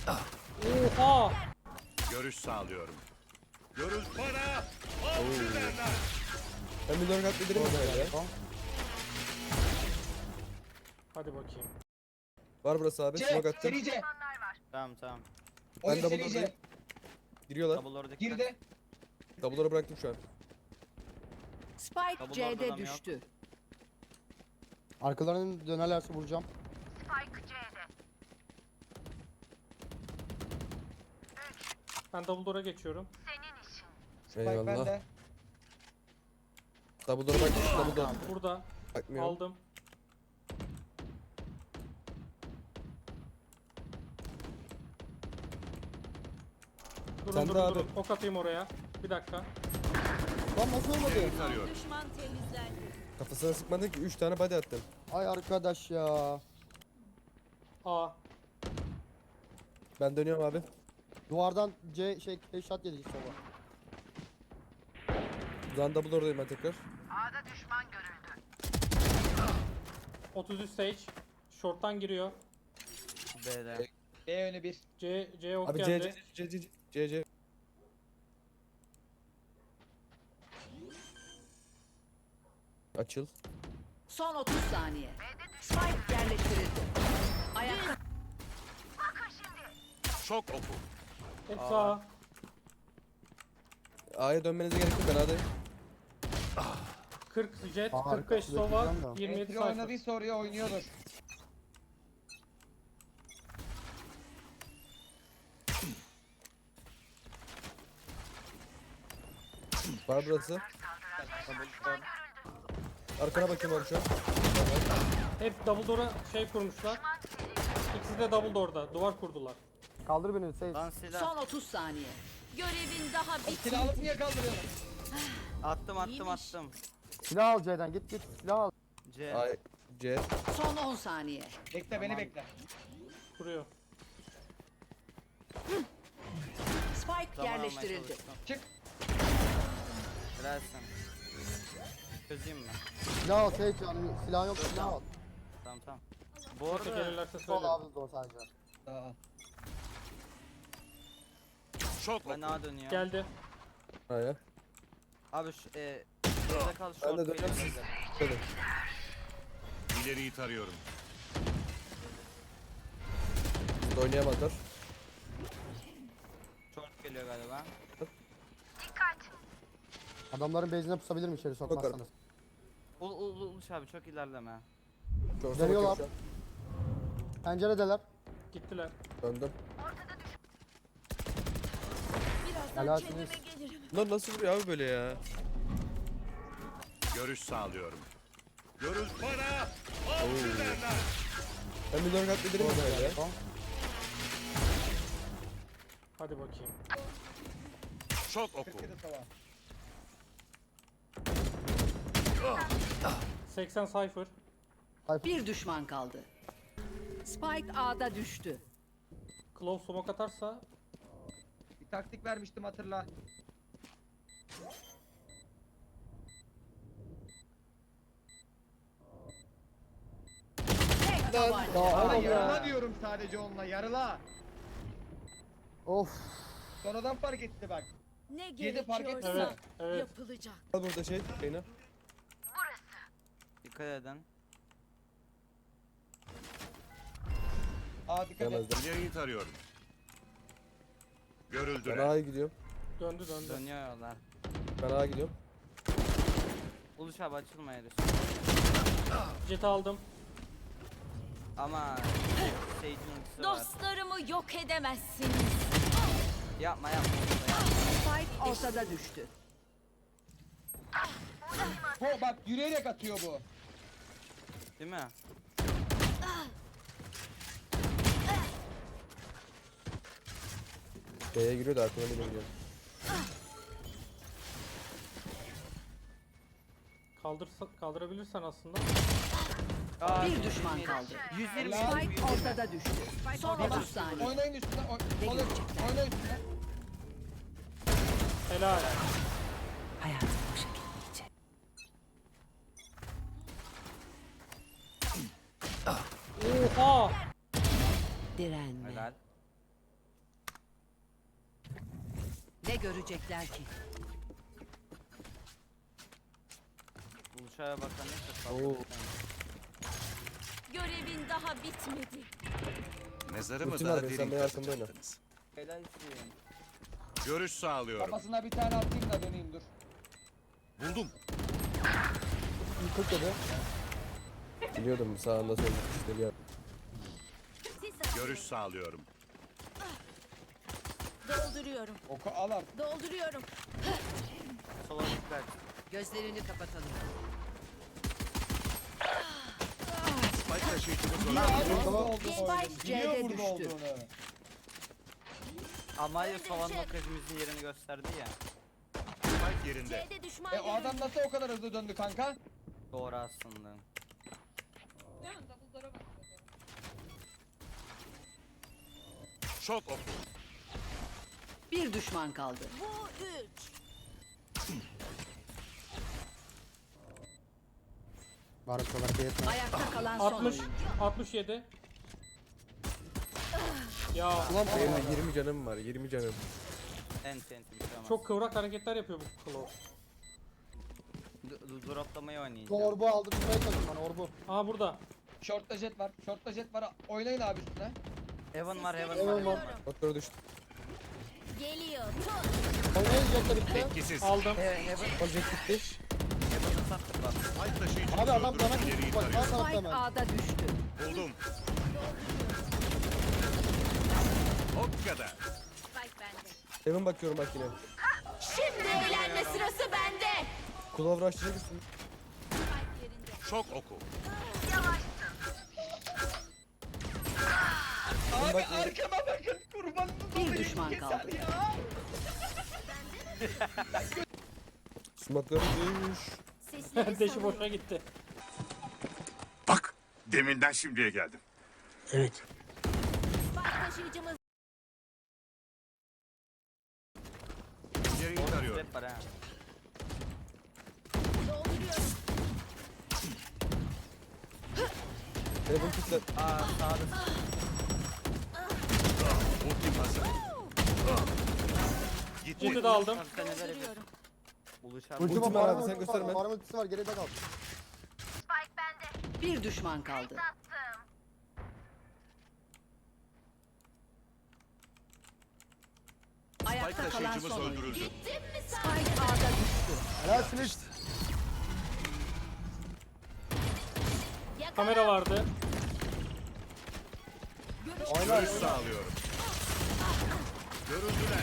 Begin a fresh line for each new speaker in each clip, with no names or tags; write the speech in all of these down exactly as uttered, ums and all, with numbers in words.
Oha!
Görüş sağlıyorum. Görüş bana. Av sirenler.
Ben bir dört atlayabilirim mi böyle?
Hadi bakayım.
Var burası abi.
C,
Smoke attım.
seri C.
Tamam tamam.
Ben
Oyun
double
seri
door'dayım.
C.
Giriyorlar.
Double oradaki.
Girdi.
Double'ları bıraktım şu an.
Spike
Double
C'de
orada adam
düştü.
Arkalarının dönerlerse vuracağım.
Ben double door'a geçiyorum.
Spike
Eyvallah.
bende.
Double door'a bak. Double door.
Burada
Bakmıyorum.
aldım. Durun
Sen de
durun
abi.
durun. Ok atayım oraya. Bir dakika.
Lan nasıl olmadı?
İleriyi tarıyorum.
Düşman temizlendi.
Kafasına sıkmadın ki üç tane body attım.
Ay arkadaş ya.
A.
Ben dönüyorum abi.
Duvardan C şey headshot yedik sola.
O zaman double door'dayım ben tekrar.
otuz üç stage. Short'tan giriyor.
B'de.
B önü bir.
C C ok
Abi C
geldi.
C C C C C. Açıl.
Son otuz saniye. Spike yerleştirildi. Ayakta
Şok oku.
Hepsi A.
A'ya dönmenize gerek yok, ben A'dayım.
kırk jet,
Aa,
kırk beş sova,
bekleyeceğim de.
yirmi yedi
Entry
sayfa.
oynadıysa oraya oynuyordur.
Var burası. Arkana bakayım abi şu an.
Hep double door'a şey kurmuşlar. İkisi de double door'da. Duvar kurdular.
Kaldır beni Sage.
Lan silah.
son otuz saniye. Görevin daha
Silah
bitmedi.
alıp niye kaldırıyorsun?
Attım attım
İyiymiş.
attım.
Silah al C'den git git silah al.
C.
A, C.
Son on saniye.
Bekle beni bekle.
Kuruyor.
Spike
Zaman almaya
yerleştirildi.
çalıştım.
Çık.
Helalsin. Çözeyim mi?
Silah al Sage yani silah yok silah al.
Tamam tamam. Bu
Orada
arada
gelirlerse
Sol
söyle.
abi zor sadece.
Aa.
Şok
ben
oku.
A dönüyor.
Geldi.
A'ya.
Abi şu e, C'de kal
Ben
short
de dönüyorum
geliyor
siz.
bize.
Dönün.
İleriyi tarıyorum.
Siz de oynayamazlar.
Short geliyor galiba.
Adamların base'ine pusabilirim içeri sokmazsanız.
Ul ul uluş abi çok ilerleme.
Short'a
Dönüyorlar.
bakıyorum
Penceredeler.
Gittiler.
şu an. Döndüm.
Birazdan
Helalsiniz.
kendime gelirim.
Lan nasıl vuruyor abi böyle ya?
Görüş sağlıyorum. Görüş bana. Av sirenler.
Ben bir dört atlayabilirim mi böyle?
Tamam.
Hadi bakayım.
Şok oku.
kırk yedi sova.
seksen cypher.
Bir düşman kaldı. Spike A'da düştü.
Close smoke atarsa
Bir taktik vermiştim hatırla.
Tek tabanca.
Ya
Ama
oğlum
yarıla
ya.
diyorum sadece onunla yarıla.
Of.
Sonradan fark etti bak.
Ne
Yedi fark
gerekiyorsa
ettin mi?
evet, evet.
yapılacak.
Al burada şey. Şeyine.
Dikkat edin.
Aa dikkat et.
Yemezler.
İleriyi tarıyorum.
Ben
Görüldüler.
A'ya gidiyorum.
döndü döndü.
Dönüyorlar.
Ben A'ya gidiyorum.
Uluş abi açılma herif.
Jet aldım.
Ama Sage'in ultisi var.
Dostlarımı yok edemezsiniz.
Yapma yapma. yapma.
Spike ortada düştü.
Bu bak yürüyerek atıyor bu.
Değil mi?
B'ye giriyor da arkadan bile gidiyor.
Kaldırsa, kaldırabilirsen aslında.
Aa,
Bir düşman kaldı.
yüz yirmi.
Spike ortada düştü. Son otuz saniye.
Oynayın üstüne. Oy
Ne
oynayın,
görecekler?
oynayın üstüne.
Helal.
Hayatım boşa gitmeyecek.
Oha!
Direnme.
Helal.
Ne görecekler ki?
Buluşaya bakan ne
Oo.
Görevin daha bitmedi.
Mezarımı
Ultim
daha
var, sen
derin
benim arkamda oyna.
kazıttınız.
Helalsin.
Görüş sağlıyorum.
Kafasına bir tane atayım da döneyim dur.
Buldum.
kırk dedi. Biliyordum sağında solunda işte ya.
Siz
Görüş sağlıyorum.
dolduruyorum.
Oku al artık.
Dolduruyorum.
Sola dikkat.
Gözlerini kapatalım.
Spike taşıyıcımız
Biliyor
olan
abi burada
Tamam.
olduğunu
Spike
oyunu. Biliyor
C'de
burada
düştü.
olduğunu.
Amalia
Öldürecek.
soğan lokajımızın yerini gösterdi ya.
Spike yerinde.
C'de düşman
E o adam nasıl o kadar hızlı döndü kanka?
Doğru aslında.
Şok oku.
Bir düşman kaldı.
Bu üç.
Barış olarak yetmez.
Ayakta kalan son
altmış,
oyuncu.
altmış yedi. Ya
Ulan benim de yirmi canım var, yirmi canım.
Ent ent bir şey olmaz.
çok kıvrak hareketler yapıyor bu Claw.
D- d- Droplamayı
Şu
oynayacağım.
orbu aldırmaya çalışıyorum bana orbu.
Aha burada.
Short'ta jet var. Short'ta jet var. Oynayın abi üstüne.
Heaven var heaven
Heaven
var.
var.
Heaven var.
Doktora düştü.
Geliyor. Tut.
Oynayın jetle bitti.
Etkisiz.
Aldım.
He- Heaven.
Object gitti.
Heaven'ı sattık bak.
Spike taşıyıcımız
Abi adam bana
öldürüp ileriyi
bak bana
tarıyor.
sana
Spike
hemen.
A'da düştü.
Buldum. O kadar.
Spike bende.
Hemen bakıyorum bak yine.
Şimdi eğlenme sırası bende.
Kulağım açacak mısın?
Spike yerinde.
Şok oku.
Abi
bak-
arkama bakın kurbanınız
Bir
olayım,
düşman
keser
kaldı.
ya.
Sumakları düş.
Sesleri
Deşi
salıyorum.
boşa gitti.
Bak. Deminden şimdiye geldim.
Spike taşıyıcımız
İleriyi tarıyorum.
Trap var ha.
dolduruyorum.
Heaven kitler.
Aa sağda.
Ultim hazır. Gitti.
Jet'i de aldım.
Abi sen neler yapıyorsun?
Dolduruyorum.
Buluşar.
Ulti
Ultim
var
var
abi
abi, sen
sen
gösterme.
gösterme. Var ultisi var geride kal.
Bir düşman kaldı. Ayakta
Spike
kalan
taşıyıcımız
son oyuncu.
öldürüldü.
Gittin mi sen?
Spike A'da düştü.
Helalsiniz.
Yakala.
Kamera vardı.
Oyna.
Görüş sağlıyorum. Görüldüler.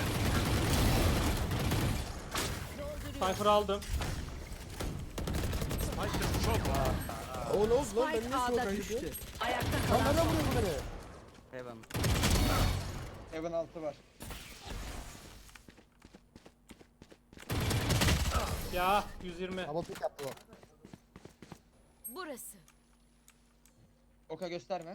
Cypher aldım.
Spike taşı- Şok oku.
O ne oldu lan ben
Spike
niye soğuk
A'da
ayırdım?
düştü. Ayakta
Lan
kalan
nereden
son
vuruyorsun
oyuncu.
beni?
Heaven.
Heaven altı var.
Ya yüz yirmi.
Double pick yaptı o.
Burası.
Oka gösterme.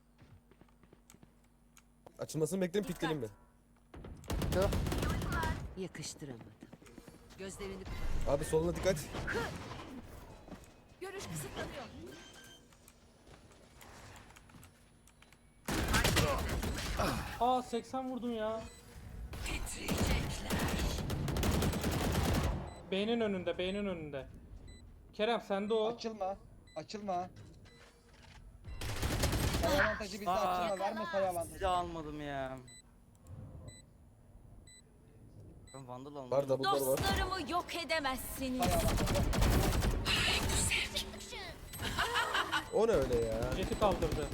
Açılmasını bekleyin pikleyelim mi?
Tüh.
Yakıştıramadım. Gözlerini kapat.
Abi soluna dikkat.
Görüş kısıtlanıyor.
Aa seksen vurdum ya. Beynin önünde, beynin önünde. Kerem sende o.
Açılma. Açılma. Sayı avantajı bizde,
Aa.
açılma. Verme sayı avantajı.
Silah almadım ya. Ben Vandal almadım.
Var double'lar var.
Dostlarımı yok edemezsiniz.
Sayı avantajı.
O ne öyle ya?
Jet'i kaldırdı.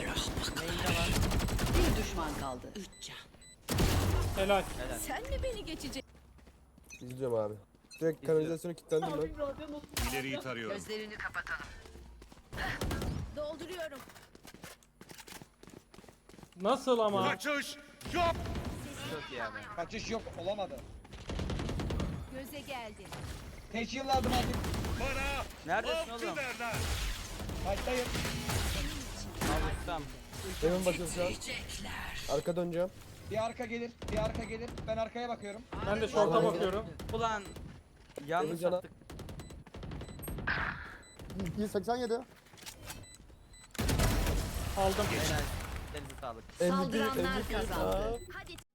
Bir düşman kaldı. Üç can.
Helal.
Helal.
Sen mi beni geçecek?
İzliyorum abi. Direkt kanalizasyona kilitlendim ben.
İleriyi tarıyorum.
Gözlerini kapatalım.
Dolduruyorum.
Nasıl ama?
Kaçış. Yok.
Çok iyi abi.
Kaçış yok, olamadı.
Göze geldi.
Teşhilladım artık.
Bana.
Neredesin
Avcı
oğlum?
derler.
Fight'tayım.
Al ustam.
Hemen bakıyorum şu an. Arka döneceğim.
Bir arka gelir, bir arka gelir. Ben arkaya bakıyorum.
Ben de short'a bakıyorum.
Ulan yanlış
Heaven cana.
attık.
yüz seksen yedi.
Aldım.
Helal. Elinize sağlık.
M V P,
Saldıranlar
M V P.
kazandı.
Hadi